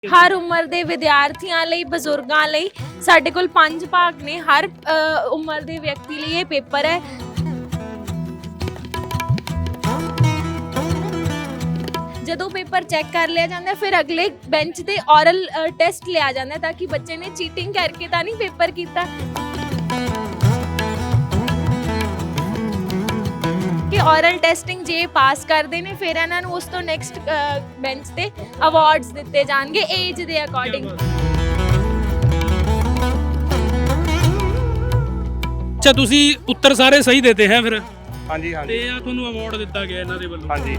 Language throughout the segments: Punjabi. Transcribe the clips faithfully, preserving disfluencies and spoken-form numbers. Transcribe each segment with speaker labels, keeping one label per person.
Speaker 1: ਹਰ ਉਮਰ ਦੇ ਵਿਦਿਆਰਥੀਆਂ ਲਈ ਬਜ਼ੁਰਗਾਂ ਲਈ ਸਾਡੇ ਕੋਲ ਪੰਜ ਭਾਗ ਨੇ। ਹਰ ਅ, ਉਮਰ ਦੇ ਵਿਅਕਤੀ ਲਈ ਇਹ ਪੇਪਰ ਹੈ। ਜਦੋਂ ਪੇਪਰ ਚੈੱਕ ਕਰ ਲਿਆ ਜਾਂਦਾ ਫਿਰ ਅਗਲੇ ਬੈਂਚ ਤੇ ਔਰਲ ਟੈਸਟ ਲਿਆ ਜਾਂਦਾ ਤਾਂ ਕਿ ਬੱਚੇ ਨੇ ਚੀਟਿੰਗ ਕਰਕੇ ਤਾਂ ਨਹੀਂ ਪੇਪਰ ਕੀਤਾ ਕਿ ਔਰਲ ਟੈਸਟਿੰਗ ਜੇ ਪਾਸ ਕਰਦੇ ਨੇ ਫਿਰ ਇਹਨਾਂ ਨੂੰ ਉਸ ਤੋਂ ਨੈਕਸਟ ਬੈਂਚ ਤੇ ਅਵਾਰਡਸ ਦਿੱਤੇ ਜਾਣਗੇ ਏਜ ਦੇ ਅਕੋਰਡਿੰਗ।
Speaker 2: ਅੱਛਾ, ਤੁਸੀਂ ਉੱਤਰ ਸਾਰੇ ਸਹੀ ਦਿੱਤੇ ਹੈ ਫਿਰ?
Speaker 3: ਹਾਂਜੀ ਹਾਂਜੀ
Speaker 2: ਤੇ ਆ ਤੁਹਾਨੂੰ ਅਵਾਰਡ ਦਿੱਤਾ ਗਿਆ ਇਹਨਾਂ ਦੇ ਵੱਲੋਂ?
Speaker 3: ਹਾਂਜੀ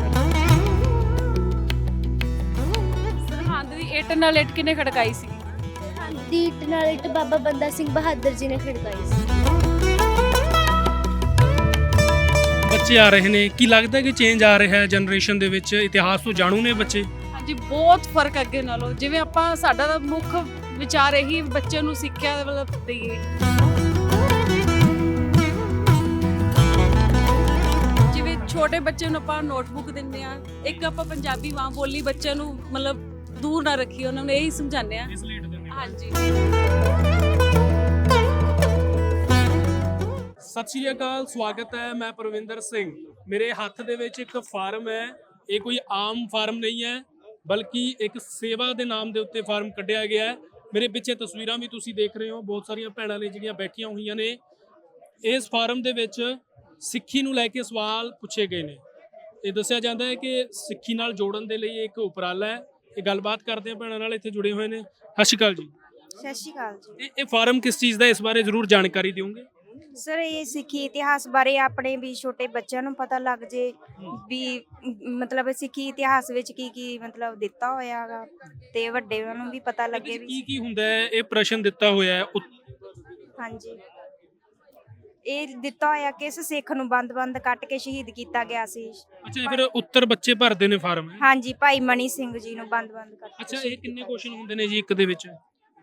Speaker 4: ਸਰਹੰਦ ਦੀ ਇੱਟ ਨਾਲ ਇੱਟ ਕਿਨੇ ਖੜਕਾਈ ਸੀ?
Speaker 5: ਦੀ ਇੱਟ ਨਾਲ ਇੱਟ ਬਾਬਾ ਬੰਦਾ ਸਿੰਘ ਬਹਾਦਰ ਜੀ ਨੇ ਖੜਕਾਈ ਸੀ।
Speaker 2: ਬੱਚੇ ਆ ਰਹੇ ਨੇ, ਕੀ ਲੱਗਦਾ ਕਿ ਚੇਂਜ ਆ ਰਿਹਾ ਹੈ ਜਨਰੇਸ਼ਨ ਦੇ ਵਿੱਚ? ਇਤਿਹਾਸ ਤੋਂ ਜਾਣੂ ਨੇ ਬੱਚੇ?
Speaker 4: ਹਾਂਜੀ, ਬਹੁਤ ਫਰਕ ਅੱਗੇ ਨਾਲੋਂ। ਜਿਵੇਂ ਆਪਾਂ ਸਾਡਾ ਤਾਂ ਮੁੱਖ ਵਿਚਾਰ ਇਹੀ ਬੱਚੇ ਨੂੰ ਸਿੱਖਿਆ ਵੱਲ ਦੇਈਏ। ਜਿਵੇਂ ਛੋਟੇ ਬੱਚੇ ਨੂੰ ਆਪਾਂ ਨੋਟਬੁੱਕ ਦਿੰਦੇ ਆ, ਇੱਕ ਆਪਾਂ ਪੰਜਾਬੀ ਮਾਂ ਬੋਲੀ ਬੱਚੇ ਨੂੰ ਮਤਲਬ ਦੂਰ ਨਾ ਰੱਖੀ, ਉਹਨਾਂ ਨੂੰ ਇਹੀ ਸਮਝਾਉਂਦੇ ਆ। ਹਾਂਜੀ।
Speaker 2: ਸਤਿ ਸ਼੍ਰੀ ਅਕਾਲ, ਸਵਾਗਤ ਹੈ। ਮੈਂ ਪਰਵਿੰਦਰ ਸਿੰਘ। ਮੇਰੇ ਹੱਥ ਦੇ ਵਿੱਚ ਇੱਕ ਫਾਰਮ ਹੈ। ਇਹ ਕੋਈ ਆਮ ਫਾਰਮ ਨਹੀਂ ਹੈ, ਬਲਕਿ ਇੱਕ ਸੇਵਾ ਦੇ ਨਾਮ ਦੇ ਉੱਤੇ ਫਾਰਮ ਕੱਢਿਆ ਗਿਆ ਹੈ। ਮੇਰੇ ਪਿੱਛੇ ਤਸਵੀਰਾਂ ਵੀ ਤੁਸੀਂ ਦੇਖ ਰਹੇ ਹੋ, ਬਹੁਤ ਸਾਰੀਆਂ ਭੈਣਾਂ ਨੇ ਜਿਹੜੀਆਂ ਬੈਠੀਆਂ ਹੋਈਆਂ ਨੇ। ਇਸ ਫਾਰਮ ਦੇ ਵਿੱਚ ਸਿੱਖੀ ਨੂੰ ਲੈ ਕੇ ਸਵਾਲ ਪੁੱਛੇ ਗਏ ਨੇ। ਇਹ ਦੱਸਿਆ ਜਾਂਦਾ ਹੈ ਕਿ ਸਿੱਖੀ ਨਾਲ ਜੋੜਨ ਦੇ ਲਈ ਇੱਕ ਉਪਰਾਲਾ ਹੈ। ਇਹ ਗੱਲਬਾਤ ਕਰਦੇ ਆ ਭੈਣਾਂ ਨਾਲ, ਇੱਥੇ ਜੁੜੇ ਹੋਏ ਨੇ। ਸਤਿ ਸ਼੍ਰੀ ਅਕਾਲ ਜੀ।
Speaker 6: ਸਤਿ ਸ਼੍ਰੀ ਅਕਾਲ ਜੀ।
Speaker 2: ਇਹ ਇਹ ਫਾਰਮ ਕਿਸ ਚੀਜ਼ ਦਾ, ਇਸ ਬਾਰੇ ਜ਼ਰੂਰ ਜਾਣਕਾਰੀ ਦਿਓਗੇ?
Speaker 6: ਸਰ, ਇਹ ਸਿੱਖੀ ਇਤਿਹਾਸ ਬਾਰੇ ਆਪਣੇ ਵੀ ਛੋਟੇ ਬੱਚਿਆਂ ਨੂੰ ਪਤਾ ਲੱਗ ਜੇ ਵੀ ਮਤਲਬ ਸਿੱਖੀ ਇਤਿਹਾਸ ਵਿੱਚ ਕੀ ਕੀ ਮਤਲਬ ਦਿੱਤਾ ਹੋਇਆ ਹੈਗਾ ਤੇ ਵੱਡਿਆਂ ਨੂੰ ਵੀ ਪਤਾ ਲੱਗੇ ਵੀ
Speaker 2: ਕੀ ਕੀ ਹੁੰਦਾ ਹੈ। ਇਹ ਪ੍ਰਸ਼ਨ ਦਿੱਤਾ ਹੋਇਆ ਹੈ।
Speaker 6: ਹਾਂਜੀ, ਇਹ ਦਿੱਤਾ ਹੋਇਆ ਕਿਸ ਸਿੱਖ ਨੂੰ ਬੰਦ-ਬੰਦ ਕੱਟ ਕੇ ਸ਼ਹੀਦ ਕੀਤਾ ਗਿਆ ਸੀ।
Speaker 2: ਅੱਛਾ, ਫਿਰ ਉੱਤਰ ਬੱਚੇ ਭਰਦੇ ਨੇ ਫਾਰਮ?
Speaker 6: ਹਾਂਜੀ, ਭਾਈ ਮਣੀ ਸਿੰਘ ਜੀ ਨੂੰ ਬੰਦ-ਬੰਦ ਕੱਟ ਕੇ।
Speaker 2: ਅੱਛਾ, ਇਹ ਕਿੰਨੇ ਕੁਐਸਚਨ ਹੁੰਦੇ ਨੇ ਜੀ ਇੱਕ ਦੇ ਵਿੱਚ?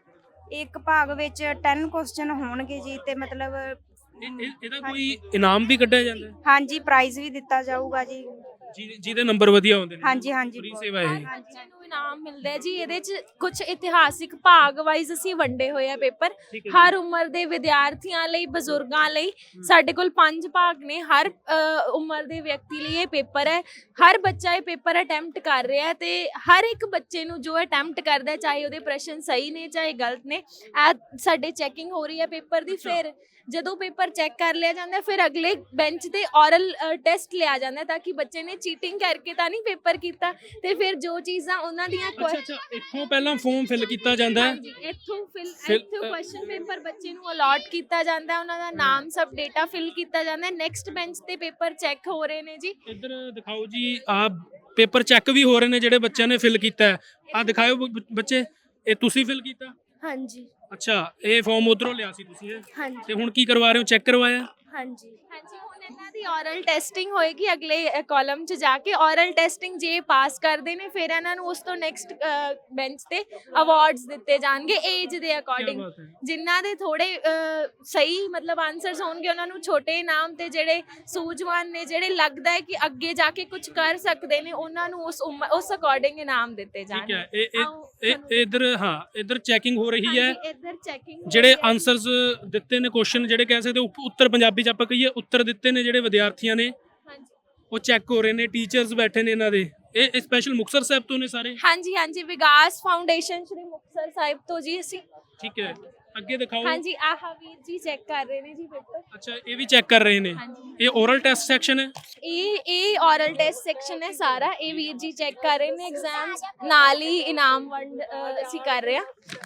Speaker 6: ਇੱਕ ਭਾਗ ਵਿੱਚ ਦਸ ਕੁਐਸਚਨ ਹੋਣਗੇ ਜੀ ਤੇ ਮਤਲਬ
Speaker 2: ਇਹ- ਇਹ- ਇਹਦਾ ਕੋਈ ਇਨਾਮ ਵੀ ਕੱਢਿਆ ਜਾਂਦਾ ਹੈ?
Speaker 6: ਹਾਂਜੀ, ਪ੍ਰਾਈਜ਼ ਵੀ ਦਿੱਤਾ ਜਾਊਗਾ ਜੀ।
Speaker 2: ਜਿਹਦੇ ਜਿਹਦੇ ਨੰਬਰ ਵਧੀਆ ਹੁੰਦੇ ਨੇ?
Speaker 6: ਹਾਂਜੀ ਹਾਂਜੀ
Speaker 2: ਫ੍ਰੀ ਸੇਵਾ ਇਹ?
Speaker 1: ਬੱਚੇ ਨੂੰ ਇਨਾਮ ਮਿਲਦਾ ਹੈ ਜੀ। ਇਹਦੇ ਚ ਕੁਝ ਇਤਿਹਾਸਿਕ ਭਾਗ ਵਾਈਜ਼ ਅਸੀਂ ਵੰਡੇ ਹੋਏ ਆ ਪੇਪਰ। ਹਰ ਉਮਰ ਦੇ ਵਿਦਿਆਰਥੀਆਂ ਲਈ ਬਜ਼ੁਰਗਾਂ ਲਈ ਸਾਡੇ ਕੋਲ ਪੰਜ ਭਾਗ ਨੇ। ਹਰ ਅ, ਉਮਰ ਦੇ ਵਿਅਕਤੀ ਲਈ ਇਹ ਪੇਪਰ ਹੈ। ਹਰ ਬੱਚਾ ਇਹ ਪੇਪਰ ਅਟੈਂਪਟ ਕਰ ਰਿਹਾ ਹੈ ਤੇ ਹਰ ਇੱਕ ਬੱਚੇ ਨੂੰ ਜੋ ਅਟੈਂਪਟ ਕਰਦਾ ਹੈ, ਚਾਹੇ ਉਹਦੇ ਪ੍ਰਸ਼ਨ ਸਹੀ ਨੇ ਚਾਹੇ ਗਲਤ ਨੇ, ਇਹ ਸਾਡੇ ਚੈਕਿੰਗ ਹੋ ਰਹੀ ਹੈ ਪੇਪਰ ਦੀ। ਫਿਰ ਜਦੋਂ ਪੇਪਰ ਚੈੱਕ ਕਰ ਲਿਆ ਜਾਂਦਾ ਫਿਰ ਅਗਲੇ ਬੈਂਚ ਤੇ ਔਰਲ ਟੈਸਟ ਲਿਆ ਜਾਂਦਾ ਤਾਂ ਕਿ ਬੱਚੇ ਨੇ ਚੀਟਿੰਗ ਕਰਕੇ ਤਾਂ ਨਹੀਂ ਪੇਪਰ ਕੀਤਾ ਤੇ ਫਿਰ ਜੋ ਚੀਜ਼ਾਂ ਉਹਨਾਂ ਦੀਆਂ
Speaker 2: ਅੱਛਾ ਅੱਛਾ, ਇੱਥੋਂ ਪਹਿਲਾਂ ਫਾਰਮ ਫਿਲ ਕੀਤਾ ਜਾਂਦਾ ਹੈ?
Speaker 1: ਹਾਂਜੀ, ਇੱਥੋਂ ਫਿਲ
Speaker 2: ਫਿਰ-
Speaker 1: ਇੱਥੋਂ ਕੁਐਸਚਨ ਪੇਪਰ ਬੱਚੇ ਨੂੰ ਅਲਾਟ ਕੀਤਾ ਜਾਂਦਾ ਹੈ, ਉਹਨਾਂ ਦਾ ਨਾਮ ਸਭ ਡੇਟਾ ਫਿਲ ਕੀਤਾ ਜਾਂਦਾ ਹੈ। ਨੈਕਸਟ ਬੈਂਚ ਤੇ ਪੇਪਰ ਚੈੱਕ ਹੋ ਰਹੇ ਨੇ ਜੀ।
Speaker 2: ਇੱਧਰ ਦਿਖਾਓ ਜੀ, ਆ ਪੇਪਰ ਚੈੱਕ ਵੀ ਹੋ ਰਹੇ ਨੇ ਜਿਹੜੇ ਬੱਚਿਆਂ ਨੇ ਫਿਲ ਕੀਤਾ ਹੈ। ਆ ਦਿਖਾਓ ਬ- ਬੱਚੇ, ਇਹ ਤੁਸੀਂ ਫਿਲ ਕੀਤਾ?
Speaker 5: ਹਾਂਜੀ
Speaker 2: ਅੱਛਾ, ਇਹ ਫਾਰਮ ਉਧਰੋਂ ਲਿਆ ਸੀ ਤੁਸੀਂ ਇਹ?
Speaker 5: ਹਾਂਜੀ
Speaker 2: ਤੇ ਹੁਣ ਕੀ ਕਰਵਾ ਰਹੇ ਹੋ, ਚੈੱਕ ਕਰਵਾਇਆ?
Speaker 5: ਹਾਂਜੀ
Speaker 1: ਹਾਂਜੀ, ਹੁਣ ਇਹਨਾਂ ਦੀ ਔਰਲ ਟੈਸਟਿੰਗ ਹੋਏਗੀ ਅਗਲੇ ਕਾਲਮ 'ਚ ਜਾ ਕੇ। ਔਰਲ ਟੈਸਟਿੰਗ ਜੇ ਪਾਸ ਕਰਦੇ ਨੇ ਫਿਰ ਇਹਨਾਂ ਨੂੰ ਉਸ ਤੋਂ ਨੈਕਸਟ ਬੈਂਚ ਤੇ ਅਵਾਰਡਸ ਦਿੱਤੇ ਜਾਣਗੇ ਏਜ ਦੇ ਅਕੋਰਡਿੰਗ।
Speaker 2: ਬਾਤ ਹੈ।
Speaker 1: ਜਿਨ੍ਹਾਂ ਦੇ ਥੋੜੇ ਅ, ਸਹੀ ਮਤਲਬ ਆਨਸਰਸ ਹੋਣਗੇ ਉਹਨਾਂ ਨੂੰ ਛੋਟੇ ਇਨਾਮ, ਤੇ ਜਿਹੜੇ ਸੂਝਵਾਨ ਨੇ ਜਿਹੜੇ ਲੱਗਦਾ ਹੈ ਕਿ ਅੱਗੇ ਜਾ ਕੇ ਕੁਝ ਕਰ ਸਕਦੇ ਨੇ ਉਹਨਾਂ ਨੂੰ ਉਸ ਉਮਰ ਉਸ ਅਕੋਰਡਿੰਗ ਇਨਾਮ ਦਿੱਤੇ
Speaker 2: ਠੀਕ
Speaker 1: ਜਾਣਗੇ।
Speaker 2: ਹੈ। ਇਹ
Speaker 1: ਆਓ
Speaker 2: ਇਹ ਇਹ ਇੱਧਰ, ਹਾਂ ਇੱਧਰ ਚੈਕਿੰਗ ਹੋ ਰਹੀ ਹੈ।
Speaker 1: ਹਾਂਜੀ, ਇੱਧਰ ਚੈਕਿੰਗ
Speaker 2: ਜਿਹੜੇ ਆਨਸਰਸ ਦਿੱਤੇ ਨੇ, ਕੁਐਸਚਨ ਜਿਹੜੇ ਕਹਿ ਸਕਦੇ ਉਪ- ਉੱਤਰ ਪੰਜਾਬੀ ਚ ਆਪਾਂ ਕਹੀਏ ਉੱਤਰ ਦਿੱਤੇ ਨੇ ਜਿਹੜੇ ਵਿਦਿਆਰਥੀਆਂ ਨੇ,
Speaker 1: ਹਾਂਜੀ
Speaker 2: ਉਹ ਚੈੱਕ ਹੋ ਰਹੇ ਨੇ। ਟੀਚਰਸ ਬੈਠੇ ਨੇ ਇਹਨਾਂ ਦੇ। ਇਹ ਸਪੈਸ਼ਲ ਮੁਕਤਸਰ ਸਾਹਿਬ ਤੋਂ ਨੇ ਸਾਰੇ?
Speaker 1: ਹਾਂਜੀ ਹਾਂਜੀ, ਵਿਕਾਸ ਫਾਊਂਡੇਸ਼ਨ ਸ਼੍ਰੀ ਮੁਕਤਸਰ ਸਾਹਿਬ ਤੋਂ ਜੀ ਅਸੀਂ।
Speaker 2: ਠੀਕ ਹੈ, ਅੱਗੇ ਦਿਖਾਓ।
Speaker 1: ਹਾਂਜੀ, ਆਹ ਵੀਰ ਜੀ ਚੈੱਕ ਕਰ ਰਹੇ ਨੇ ਜੀ ਪੇਪਰ।
Speaker 2: ਅੱਛਾ, ਇਹ ਵੀ ਚੈੱਕ ਕਰ ਰਹੇ ਨੇ।
Speaker 1: ਹਾਂਜੀ,
Speaker 2: ਇਹ ਓਰਲ ਟੈਸਟ ਸੈਕਸ਼ਨ ਹੈ?
Speaker 1: ਇਹ ਇਹ ਔਰਲ ਟੈਸਟ ਸੈਕਸ਼ਨ ਹੈ ਸਾਰਾ। ਇਹ ਵੀਰ ਜੀ ਚੈੱਕ ਕਰ ਰਹੇ ਨੇ ਐਗਜ਼ਾਮਸ ਨਾਲ ਹੀ ਇਨਾਮ ਵੰਡ ਅ, ਅਸੀਂ ਕਰ ਰਹੇ ਹਾਂ।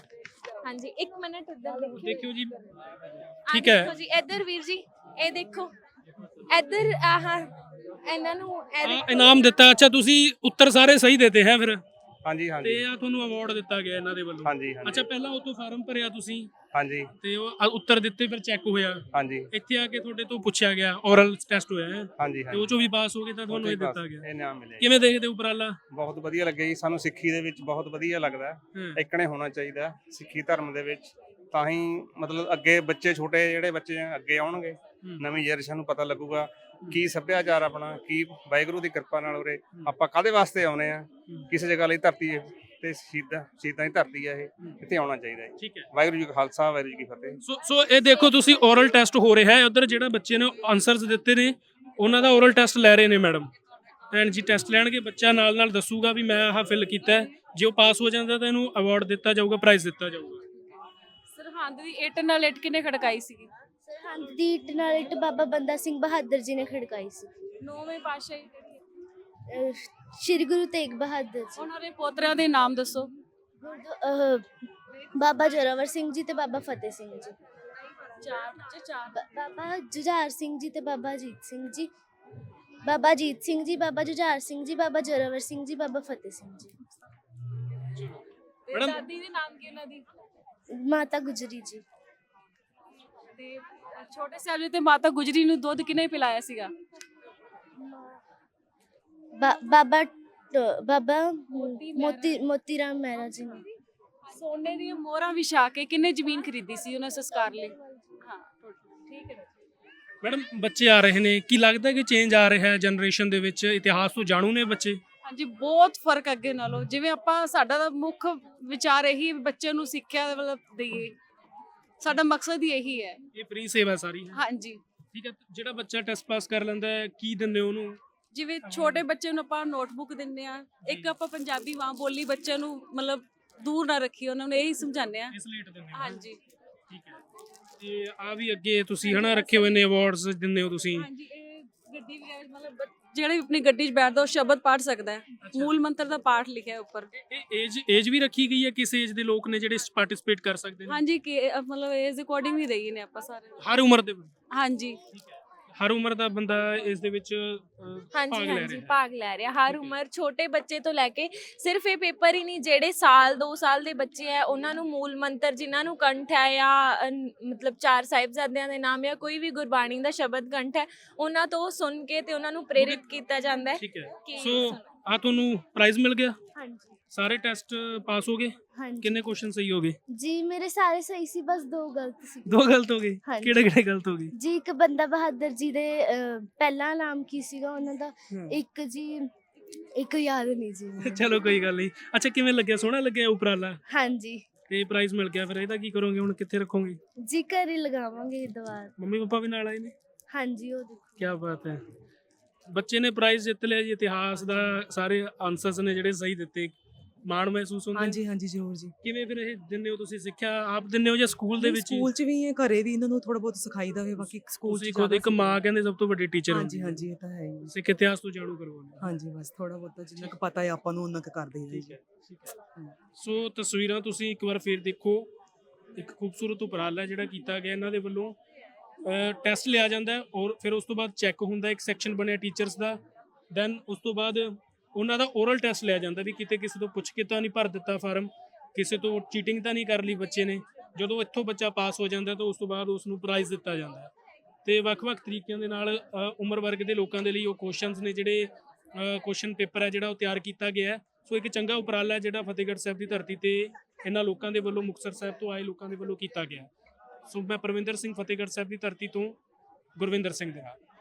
Speaker 1: ਹਾਂਜੀ, ਇੱਕ ਮਿੰਟ ਉੱਧਰ ਦੇਖਿਓ।
Speaker 2: ਦੇਖਿਓ ਜੀ।
Speaker 1: ਆਹ
Speaker 2: ਠੀਕ ਹੈ।
Speaker 1: ਦੇਖੋ ਜੀ, ਇੱਧਰ ਵੀਰ ਜੀ ਇਹ ਦੇਖੋ, ਇੱਧਰ ਆਹ ਇਹਨਾਂ ਨੂੰ ਇਹ
Speaker 2: ਆ
Speaker 1: ਦੇਖੋ।
Speaker 2: ਇਨਾਮ ਦਿੱਤਾ। ਅੱਛਾ, ਤੁਸੀਂ ਉੱਤਰ ਸਾਰੇ ਸਹੀ ਦਿੱਤੇ ਹੈ ਫਿਰ?
Speaker 3: ਹਾਂਜੀ
Speaker 2: ਤੇ
Speaker 3: ਹਾਂਜੀ
Speaker 2: ਆ ਤੁਹਾਨੂੰ ਅਵਾਰਡ ਦਿੱਤਾ ਗਿਆ ਇਹਨਾਂ ਦੇ ਵੱਲੋਂ?
Speaker 3: ਹਾਂਜੀ ਹਾਂਜੀ
Speaker 2: ਅੱਛਾ, ਪਹਿਲਾਂ ਉਹ ਤੋਂ ਫਾਰਮ ਭਰਿਆ ਤੁਸੀਂ
Speaker 3: ਹਾਂਜੀ
Speaker 2: ਤੇ ਉਹ ਆ- ਉੱਤਰ ਦਿੱਤੇ, ਫਿਰ ਚੈੱਕ ਹੋਇਆ,
Speaker 3: ਹਾਂਜੀ
Speaker 2: ਇੱਥੇ ਆ ਕੇ ਤੁਹਾਡੇ ਤੋਂ ਪੁੱਛਿਆ ਗਿਆ, ਓਰਲ ਟੈਸਟ ਹੋਇਆ ਹੈ
Speaker 3: ਹਾਂਜੀ
Speaker 2: ਤੇ
Speaker 3: ਹਾਂਜੀ
Speaker 2: ਉਹ ਚੋਂ ਵੀ ਪਾਸ ਹੋ ਗਏ ਤਾਂ ਤੁਹਾਨੂੰ ਇਹ
Speaker 3: ਬਸ
Speaker 2: ਦਿੱਤਾ ਗਿਆ।
Speaker 3: ਇਹ ਨਾਮ ਮਿਲਿਆ।
Speaker 2: ਕਿਵੇਂ ਦੇਖਦੇ ਹੋ ਉਪਰਾਲਾ?
Speaker 3: ਬਹੁਤ ਵਧੀਆ ਲੱਗਿਆ ਜੀ, ਸਾਨੂੰ ਸਿੱਖੀ ਦੇ ਵਿੱਚ ਬਹੁਤ ਵਧੀਆ ਲੱਗਦਾ ਹੈ।
Speaker 2: ਹਾਂ।
Speaker 3: ਇਕਣੇ ਹੋਣਾ ਚਾਹੀਦਾ ਹੈ ਸਿੱਖੀ ਧਰਮ ਦੇ ਵਿੱਚ, ਤਾਂ ਹੀ ਮਤਲਬ ਅੱਗੇ ਬੱਚੇ, ਛੋਟੇ ਜਿਹੜੇ ਬੱਚੇ ਆ, ਅੱਗੇ ਆਉਣਗੇ, ਨਵੀਂ ਜਨਰੇਸ਼ਨ ਨੂੰ ਪਤਾ ਲੱਗੂਗਾ ਕੀ ਸੱਭਿਆਚਾਰ ਆਪਣਾ, ਕੀ ਵਾਹਿਗੁਰੂ ਦੀ ਕਿਰਪਾ ਨਾਲ ਉਰੇ ਆਪਾਂ ਕਾਹਦੇ ਵਾਸਤੇ ਆਉਨੇ ਆ, ਕਿਸੇ ਜਗ੍ਹਾ ਲਈ ਧਰਤੀ ਤੇ ਸ਼ਹੀਦਾਂ ਸ਼ਹੀਦਾਂ ਦੀ ਧਰਤੀ ਆ ਇਹ, ਇੱਥੇ ਆਉਣਾ ਚਾਹੀਦਾ ਹੈ।
Speaker 2: ਠੀਕ ਹੈ।
Speaker 3: ਵਾਹਿਗੁਰੂ ਜੀ ਕਾ ਖਾਲਸਾ, ਵਾਹਿਗੁਰੂ ਜੀ ਕੀ ਫਤਿਹ।
Speaker 2: ਸੋ ਸੋ ਇਹ ਦੇਖੋ ਤੁਸੀਂ ਓਰਲ ਟੈਸਟ ਹੋ ਰਿਹਾ ਹੈ ਉਧਰ, ਜਿਹੜਾ ਬੱਚੇ ਨੇ ਆਨਸਰਸ ਦਿੱਤੇ ਨੇ ਉਹਨਾਂ ਦਾ ਓਰਲ ਟੈਸਟ ਲੈ ਰਹੇ ਨੇ ਮੈਡਮ। ਭੈਣ ਜੀ ਟੈਸਟ ਲੈਣਗੇ, ਬੱਚਾ ਨਾਲ ਨਾਲ ਦੱਸੂਗਾ ਵੀ ਮੈਂ ਆਹ ਫਿਲ ਕੀਤਾ ਹੈ। ਜੇ ਉਹ ਪਾਸ ਹੋ ਜਾਂਦਾ ਤਾਂ ਇਹਨੂੰ ਅਵਾਰਡ ਦਿੱਤਾ ਜਾਊਗਾ, ਪ੍ਰਾਈਜ਼ ਦਿੱਤਾ ਜਾਊਗਾ।
Speaker 4: ਸਰਹੰਦ ਦੀ ਇੱਟ ਨਾਲ ਇੱਟ ਕਿਨੇ ਖੜਕਾਈ ਸੀਗੀ?
Speaker 5: ਸਰਹੰਦ ਦੀ ਇੱਟ ਨਾਲ ਇੱਟ ਬਾਬਾ ਬੰਦਾ ਸਿੰਘ ਬਹਾਦਰ ਜੀ ਨੇ ਖੜਕਾਈ ਸੀ।
Speaker 4: ਨੌਵੇਂ ਪਾਤਸ਼ਾਹੀ
Speaker 5: ਅਹ ਸ਼੍ਰੀ ਗੁਰੂ ਤੇਗ ਬਹਾਦਰ ਜੀ।
Speaker 4: ਉਹਨਾਂ ਦੇ ਪੋਤਰਿਆਂ ਦੇ ਨਾਮ ਦੱਸੋ।
Speaker 5: ਗੁਰਦੁ- ਅਹ ਬਾਬਾ ਜ਼ੋਰਾਵਰ ਸਿੰਘ ਜੀ ਤੇ ਬਾਬਾ ਫਤਿਹ ਸਿੰਘ ਜੀ।
Speaker 4: ਚਾਰ ਬੱਚੇ ਚਾਰ।
Speaker 5: ਬ- ਬਾਬਾ ਜੁਝਾਰ ਸਿੰਘ ਜੀ ਤੇ ਬਾਬਾ ਅਜੀਤ ਸਿੰਘ ਜੀ। ਬਾਬਾ ਅਜੀਤ ਸਿੰਘ ਜੀ, ਬਾਬਾ ਜੁਝਾਰ ਸਿੰਘ ਜੀ, ਬਾਬਾ ਜ਼ੋਰਾਵਰ ਸਿੰਘ ਜੀ, ਬਾਬਾ ਫਤਿਹ ਸਿੰਘ ਜੀ।
Speaker 4: ਤੇ
Speaker 2: ਮੈਡਮ-
Speaker 4: ਦਾਦੀ ਦੇ ਨਾਮ ਕੀ ਉਹਨਾਂ ਦੀ?
Speaker 5: ਮਾਤਾ ਗੁਜਰੀ ਜੀ।
Speaker 4: ਤੇ ਛੋਟੇ ਸਾਹਿਬਜ਼ਾਦੇ ਤੇ ਮਾਤਾ ਗੁਜਰੀ ਨੂੰ ਦੁੱਧ ਕਿਨੇ ਪਿਲਾਇਆ ਸੀਗਾ?
Speaker 5: ਬਾ- ਬਾਬਾ ਟ- ਬਾਬਾ
Speaker 4: ਮੋਤੀ
Speaker 5: ਮੋਤੀ ਮੋਤੀ ਰਾਮ ਮਹਿਰਾ ਜੀ ਨੇ।
Speaker 4: ਸੋਨੇ ਦੀਆਂ ਮੋਹਰਾਂ ਵਿਛਾ ਕੇ ਕਿੰਨੇ ਜ਼ਮੀਨ ਖਰੀਦੀ ਸੀ ਉਹਨਾਂ ਸੰਸਕਾਰ ਲਈ? ਹਾਂ ਠੀਕ ਹੈ।
Speaker 2: ਮੈਡਮ ਬੱਚੇ ਆ ਰਹੇ ਨੇ, ਕੀ ਲੱਗਦਾ ਕਿ ਚੇਂਜ ਆ ਰਿਹਾ ਹੈ ਜਨਰੇਸ਼ਨ ਦੇ ਵਿੱਚ? ਇਤਿਹਾਸ ਤੋਂ ਜਾਣੂ ਨੇ ਬੱਚੇ?
Speaker 4: ਹਾਂਜੀ ਬਹੁਤ ਫਰਕ ਅੱਗੇ ਨਾਲੋਂ। ਜਿਵੇਂ ਆਪਾਂ ਸਾਡਾ ਤਾਂ ਮੁੱਖ ਵਿਚਾਰ ਇਹੀ ਹੈ ਵੀ ਬੱਚੇ ਨੂੰ ਸਿੱਖਿਆ ਮਤਲਬ ਦਈਏ, ਸਾਡਾ ਮਕਸਦ ਹੀ ਇਹੀ ਹੈ।
Speaker 2: ਇਹ ਫ੍ਰੀ ਸੇਵਾ ਸਾਰੀ ਹੈ।
Speaker 4: ਹਾਂਜੀ
Speaker 2: ਠੀਕ ਹੈ। ਜਿਹੜਾ ਬੱਚਾ ਟੈਸਟ ਪਾਸ ਕਰ ਲੈਂਦਾ ਹੈ ਕੀ ਦਿੰਦੇ ਹੋ ਉਹਨੂੰ?
Speaker 4: ਜਿਵੇਂ ਛੋਟੇ ਬੱਚੇ ਨੂੰ ਆਪਾਂ ਨੋਟਬੁੱਕ ਦਿੰਦੇ ਆ, ਇੱਕ ਆਪਾਂ ਪੰਜਾਬੀ ਮਾਂ ਬੋਲੀ ਬੱਚੇ ਨੂੰ ਮਤਲਬ ਦੂਰ ਨਾ ਰੱਖੀ, ਉਹਨਾਂ ਨੂੰ ਇਹੀ ਸਮਝਾਉਂਦੇ ਆ।
Speaker 2: ਇਸ ਲੇਟ ਦਿੰਦੇ ਹੋ?
Speaker 4: ਹਾਂਜੀ
Speaker 2: ਠੀਕ ਹੈ। ਤੇ ਆ ਵੀ ਅੱਗੇ ਤੁਸੀਂ ਹਨਾ ਰੱਖੇ ਹੋਏ ਨੇ ਅਵਾਰਡਸ ਦਿੰਦੇ ਹੋ ਤੁਸੀਂ?
Speaker 4: ਹਾਂਜੀ ਇਹ ਗੱਡੀ ਵਗੈਰਾ ਮਤਲਬ ਬ- ਜਿਹੜਾ ਵੀ ਆਪਣੀ ਗੱਡੀ 'ਚ ਬੈਠਦਾ ਉਹ ਸ਼ਬਦ ਪੜ੍ਹ ਸਕਦਾ ਹੈ। ਮੂਲ ਮੰਤਰ ਦਾ ਪਾਠ ਲਿਖਿਆ ਹੈ ਉੱਪਰ।
Speaker 2: ਇਹ ਏਜ ਏਜ ਵੀ ਰੱਖੀ ਗਈ ਹੈ? ਕਿਸ ਏਜ ਦੇ ਲੋਕ ਨੇ ਜਿਹੜੇ ਪਾਰਟਿਸਿਪੇਟ ਕਰ ਸਕਦੇ ਨੇ?
Speaker 4: ਹਾਂਜੀ ਕਿ ਅ, ਮਤਲਬ ਏਜ ਅਕੋਰਡਿੰਗ ਹੀ ਰਹੀ ਨੇ ਆਪਾਂ ਸਾਰੇ।
Speaker 2: ਹਰ ਉਮਰ ਦੇ?
Speaker 4: ਹਾਂਜੀ
Speaker 2: ਹਰ ਉਮਰ ਦਾ ਬੰਦਾ ਇਸ ਦੇ ਵਿੱਚ ਅਹ, ਭਾਗ
Speaker 1: ਹਾਂਜੀ
Speaker 2: ਲੈ
Speaker 1: ਹਾਂਜੀ
Speaker 2: ਰਿਹਾ?
Speaker 1: ਭਾਗ ਲੈ ਰਿਹਾ ਹਰ ਉਮਰ, ਛੋਟੇ ਬੱਚੇ ਤੋਂ ਲੈ ਕੇ। ਸਿਰਫ ਇਹ ਪੇਪਰ ਹੀ ਨਹੀਂ, ਜਿਹੜੇ ਸਾਲ ਦੋ ਸਾਲ ਦੇ ਬੱਚੇ ਆ ਉਹਨਾਂ ਨੂੰ ਮੂਲ ਮੰਤਰ ਜਿਨ੍ਹਾਂ ਨੂੰ ਕੰਠ ਹੈ ਜਾਂ ਅਹ, ਮਤਲਬ ਚਾਰ ਸਾਹਿਬਜ਼ਾਦਿਆਂ ਦੇ ਨਾਮ ਜਾਂ ਕੋਈ ਵੀ ਗੁਰਬਾਣੀ ਦਾ ਸ਼ਬਦ ਕੰਠ ਹੈ, ਉਹਨਾਂ ਤੋਂ ਸੁਣ ਕੇ ਤੇ ਉਹਨਾਂ ਨੂੰ ਪ੍ਰੇਰਿਤ ਕੀਤਾ ਜਾਂਦਾ ਹੈ
Speaker 2: ਠੀਕ ਹੈ।
Speaker 1: ਕਿ
Speaker 2: ਸੋ
Speaker 1: ਸੁਣੋ।
Speaker 2: ਆ ਤੁਹਾਨੂੰ ਪ੍ਰਾਈਜ਼ ਮਿਲ ਗਿਆ?
Speaker 5: ਹਾਂਜੀ
Speaker 2: ਸਾਰੇ ਟੈਸਟ ਪਾਸ ਹੋ ਗਏ?
Speaker 5: ਹਾਂਜੀ
Speaker 2: ਕਿੰਨੇ ਕੁਐਸਚਨ ਸਹੀ ਹੋ ਗਏ?
Speaker 5: ਜੀ ਮੇਰੇ ਸਾਰੇ ਸਹੀ ਸੀ, ਬਸ ਦੋ ਗਲਤ ਸੀ।
Speaker 2: ਦੋ ਗਲਤ ਹੋ ਗਏ?
Speaker 5: ਹਾਂਜੀ।
Speaker 2: ਕਿਹੜੇ ਕਿਹੜੇ ਗਲਤ ਹੋ ਗਏ?
Speaker 5: ਜੀ ਇੱਕ ਬੰਦਾ ਬਹਾਦਰ ਜੀ ਦੇ ਅਹ, ਪਹਿਲਾ ਨਾਮ ਕੀ ਸੀਗਾ ਉਹਨਾਂ ਦਾ? ਇੱਕ ਜੀ ਇੱਕ ਯਾਦ ਨਹੀਂ ਜੀ ਮੈਨੂੰ।
Speaker 2: ਚਲੋ ਕੋਈ ਗੱਲ ਨਹੀਂ। ਅੱਛਾ ਕਿਵੇਂ ਲੱਗਿਆ? ਸੋਹਣਾ ਲੱਗਿਆ ਉਪਰਾਲਾ?
Speaker 5: ਹਾਂਜੀ
Speaker 2: ਤੇ ਪ੍ਰਾਈਜ਼ ਮਿਲ ਗਿਆ, ਫਿਰ ਇਹਦਾ ਕੀ ਕਰੋਗੇ ਹੁਣ? ਕਿੱਥੇ ਰੱਖੋਗੇ?
Speaker 5: ਜੀ ਘਰ ਹੀ ਲਗਾਵਾਂਗੇ ਦੁਬਾਰ।
Speaker 2: ਮੰਮੀ ਪਾਪਾ ਵੀ ਨਾਲ ਆਏ ਨੇ?
Speaker 5: ਹਾਂਜੀ ਉਹ ਦੇਖੋ।
Speaker 2: ਕੀ ਬਾਤ ਹੈ। ਬੱਚੇ ਨੇ ਪ੍ਰਾਈਜ਼ ਜਿੱਤ ਲਿਆ ਜੀ। ਇਤਿਹਾਸ ਦਾ ਸਾਰੇ ਆਨਸਰਸ ਨੇ ਜਿਹੜੇ ਸਹੀ ਦਿੱਤੇ, ਮਾਣ ਮਹਿਸੂਸ ਹੁੰਦਾ?
Speaker 7: ਹਾਂਜੀ ਹਾਂਜੀ ਜ਼ਰੂਰ ਜੀ।
Speaker 2: ਕਿਵੇਂ ਫਿਰ ਇਹ ਦਿੰਦੇ ਹੋ ਤੁਸੀਂ? ਸਿੱਖਿਆ ਆਪ ਦਿੰਦੇ ਹੋ ਜਾਂ ਸਕੂਲ ਦੇ ਵਿੱਚ ਹੀ?
Speaker 7: ਸਕੂਲ 'ਚ ਵੀ ਹੈ, ਘਰੇ ਵੀ ਇਹਨਾਂ ਨੂੰ ਥੋੜਾ ਬਹੁਤ ਸਿਖਾਈਦਾ ਵੇ, ਬਾਕੀ ਸਕੂਲ 'ਚ
Speaker 2: ਤੁਸੀਂ ਖੁਦ ਇੱਕ ਮਾਂ ਕਹਿੰਦੇ ਸਭ ਤੋਂ ਵੱਡੀ ਟੀਚਰ
Speaker 7: ਹਾਂਜੀ ਹਾਂਜੀ ਇਹ ਤਾਂ ਹੈ ਹੀ।
Speaker 2: ਸਿੱਖ ਇਤਿਹਾਸ ਤੋਂ ਜਾਣੂ ਕਰਵਾਉਂਦੇ।
Speaker 7: ਹਾਂਜੀ ਬਸ ਥੋੜਾ ਬਹੁਤ ਜਿੰਨਾ ਕੁ ਪਤਾ ਹੈ ਆਪਾਂ ਨੂੰ ਉਹਨਾਂ ਕੁ ਕਰਦੇ ਹਾਂ
Speaker 2: ਠੀਕ
Speaker 7: ਜੀ।
Speaker 2: ਹੈ ਠੀਕ ਹੈ। ਸੋ ਤਸਵੀਰਾਂ ਤੁਸੀਂ ਇੱਕ ਵਾਰ ਫੇਰ ਦੇਖੋ। ਇੱਕ ਖੂਬਸੂਰਤ ਉਪਰਾਲਾ ਜਿਹੜਾ ਕੀਤਾ ਗਿਆ ਇਹਨਾਂ ਦੇ ਵੱਲੋਂ। ਟੈਸਟ ਲਿਆ ਜਾਂਦਾ ਹੈ ਔਰ ਫਿਰ ਉਸ ਤੋਂ ਬਾਅਦ ਚੈੱਕ ਹੁੰਦਾ, ਇੱਕ ਸੈਕਸ਼ਨ ਬਣਿਆ ਟੀਚਰਸ ਦਾ। ਦੈਨ ਉਸ ਤੋਂ ਬਾਅਦ ਉਹਨਾਂ ਦਾ ਓਰਲ ਟੈਸਟ ਲਿਆ ਜਾਂਦਾ ਵੀ ਕਿਤੇ ਕਿਸੇ ਤੋਂ ਪੁੱਛ ਕੇ ਤਾਂ ਨਹੀਂ ਭਰ ਦਿੱਤਾ ਫਾਰਮ, ਕਿਸੇ ਤੋਂ ਚੀਟਿੰਗ ਤਾਂ ਨਹੀਂ ਕਰ ਲਈ ਬੱਚੇ ਨੇ। ਜਦੋਂ ਇੱਥੋਂ ਬੱਚਾ ਪਾਸ ਹੋ ਜਾਂਦਾ ਤਾਂ ਉਸ ਤੋਂ ਬਾਅਦ ਉਸ ਨੂੰ ਪ੍ਰਾਈਜ਼ ਦਿੱਤਾ ਜਾਂਦਾ ਹੈ। ਤੇ ਵੱਖ-ਵੱਖ ਤਰੀਕਿਆਂ ਦੇ ਨਾਲ ਅ, ਉਮਰ ਵਰਗ ਦੇ ਲੋਕਾਂ ਦੇ ਲਈ ਉਹ ਕੁਐਸਚਨਸ ਨੇ ਜਿਹੜੇ ਕੁਐਸਚਨ ਪੇਪਰ ਹੈ ਜਿਹੜਾ ਉਹ ਤਿਆਰ ਕੀਤਾ ਗਿਆ ਹੈ। ਸੋ ਇੱਕ ਚੰਗਾ ਉਪਰਾਲਾ ਹੈ ਜਿਹੜਾ ਫਤਿਹਗੜ੍ਹ ਸਾਹਿਬ ਦੀ ਧਰਤੀ ਤੇ ਇਹਨਾਂ ਲੋਕਾਂ ਦੇ ਵੱਲੋਂ, ਮੁਕਤਸਰ ਸਾਹਿਬ ਤੋਂ ਆਏ ਲੋਕਾਂ ਦੇ ਵੱਲੋਂ ਕੀਤਾ ਗਿਆ। ਸੋ ਮੈਂ ਪਰਵਿੰਦਰ ਸਿੰਘ, ਫਤਿਹਗੜ੍ਹ ਸਾਹਿਬ ਦੀ ਧਰਤੀ ਤੋਂ, ਗੁਰਵਿੰਦਰ ਸਿੰਘ ਦੇ ਨਾਲ।